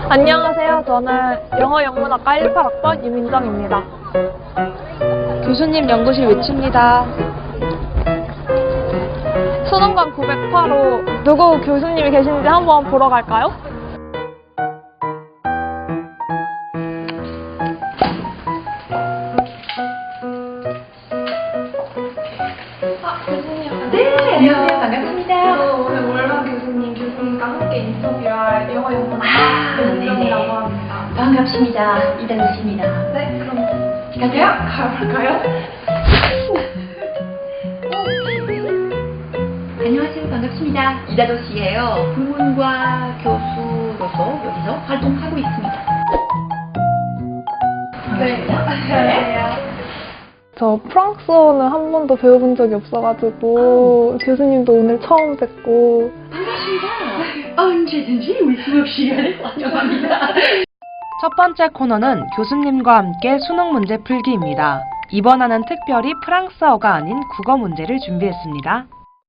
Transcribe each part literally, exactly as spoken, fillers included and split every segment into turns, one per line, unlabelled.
안녕하세요. 저는 영어 영문학과 일십팔 학번 유민정입니다.
교수님 연구실 외칩니다.
수능관 구백팔 호 누구 교수님이 계신지 한번 보러 갈까요? 아, 교수님.
네, 안녕하세요. 반갑습니다.
저 오늘 월마 교수님 교수님과 함께 인터뷰할 영어 영문학과
아,
유민정이라고
네네.
합니다.
반갑습니다. 이다도 씨입니다.
네, 그럼
갈까요?
가볼까요?
안녕하세요. 반갑습니다. 이다도 씨예요. 불문과 교수로서 여기서 활동하고 있습니다.
네.
반갑습니다.
저 프랑스어는 한 번도 배워본 적이 없어가지고 교수님도 오늘 처음 뵙고
반갑습니다. 언제든지 우리 수업 시간에 환영합니다.
첫 번째 코너는 교수님과 함께 수능 문제 풀기입니다. 이번에는 특별히 프랑스어가 아닌 국어 문제를 준비했습니다.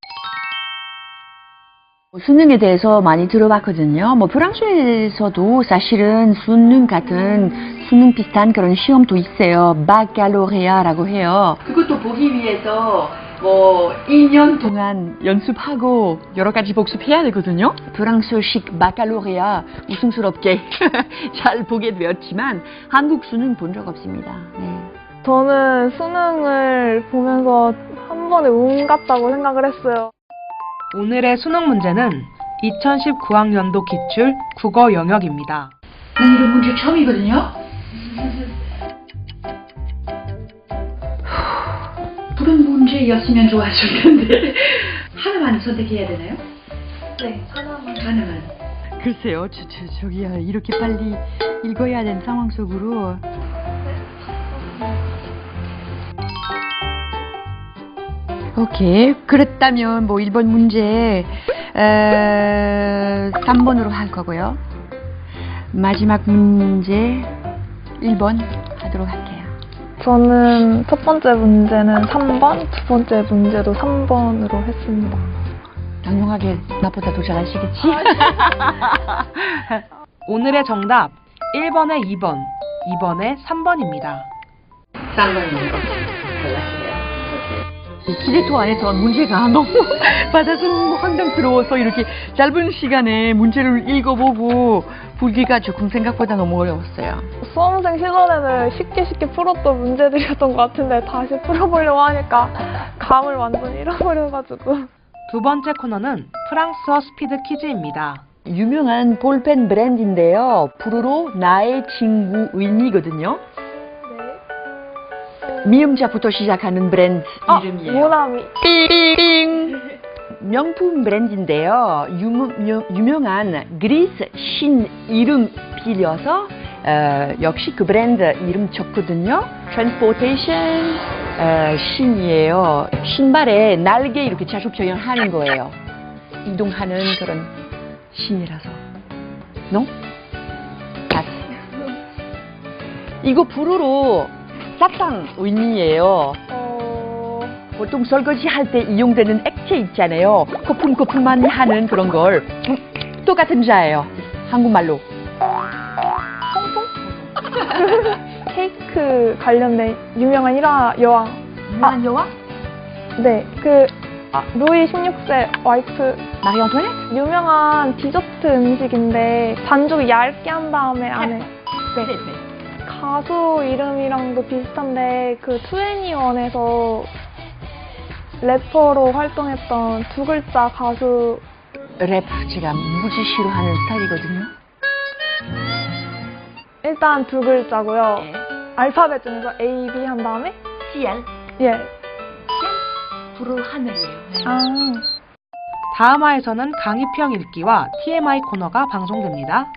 수능에 대해서 많이 들어봤거든요. 뭐 프랑스에서도 사실은 수능 같은 수능 비슷한 그런 시험도 있어요. 바칼로레아라고 해요. 그것도 보기 위해서 뭐 이 년 동안 연습하고 여러 가지 복습해야 되거든요. 프랑스식 바칼로레아 우승스럽게 잘 보게 되었지만 한국 수능 본 적 없습니다. 네.
저는 수능을 보면서 한 번에 운 같다고 생각을 했어요.
오늘의 수능 문제는 이천십구 학년도 기출 국어 영역입니다.
난 이런 문제 처음이거든요. 그런 문제였으면 좋았을 텐데 하나만 선택해야 되나요?
네, 하나만.
하나만.
글쎄요, 저, 저, 저기야 이렇게 빨리 읽어야 되는 상황 속으로 오케이. 그렇다면 뭐 일 번 문제 에, 삼 번으로 할 거고요. 마지막 문제 일 번 하도록 할게요.
저는 첫 번째 문제는 삼 번, 두 번째 문제도 삼 번으로 했습니다.
당연하게 나보다 더 잘하시겠지?
오늘의 정답 일 번에 이 번, 이 번에 삼 번입니다.
쌍방으로 골랐어요.
기대토 안에서 문제가 너무 받아서 황당스러워서 이렇게 짧은 시간에 문제를 읽어보고 풀기가 조금 생각보다 너무 어려웠어요.
수험생 시절에는 쉽게 쉽게 풀었던 문제들이었던 것 같은데 다시 풀어보려고 하니까 감을 완전 잃어버려가지고.
두 번째 코너는 프랑스어 스피드 퀴즈입니다.
유명한 볼펜 브랜드인데요. 부르로 나의 친구 의미거든요. 미음자부터 시작하는 브랜드
아,
이름이에요.
모나미.
삥! 명품 브랜드인데요. 유명, 유명한 그리스 신 이름 빌려서 어, 역시 그 브랜드 이름 적거든요. 트랜스포테이션 어, 신이에요. 신발에 날개 이렇게 자주 표현하는 거예요. 이동하는 그런 신이라서. No? pass. 이거 불어로 사탕 의미예요.
어...
보통 설거지 할 때 이용되는 액체 있잖아요. 거품거품만 하는 그런 걸 똑같은 자예요. 한국말로.
케이크 관련된 유명한 일화 여왕.
유명한 여왕?
네, 그 루이 십육 세 와이프.
마리 안토네트?
유명한 디저트 음식인데 반죽을 얇게 한 다음에 안에. 네. 가수 이름이랑도 비슷한데 그 투애니원에서 래퍼로 활동했던 두 글자 가수.
랩 제가 무지 싫어하는 스타일이거든요.
일단 두 글자고요.
네.
알파벳 중에서 A, B 한 다음에
씨알.
예.
불을 하늘이에요.
아.
다음 화에서는 강의평 읽기와 티엠아이 코너가 방송됩니다.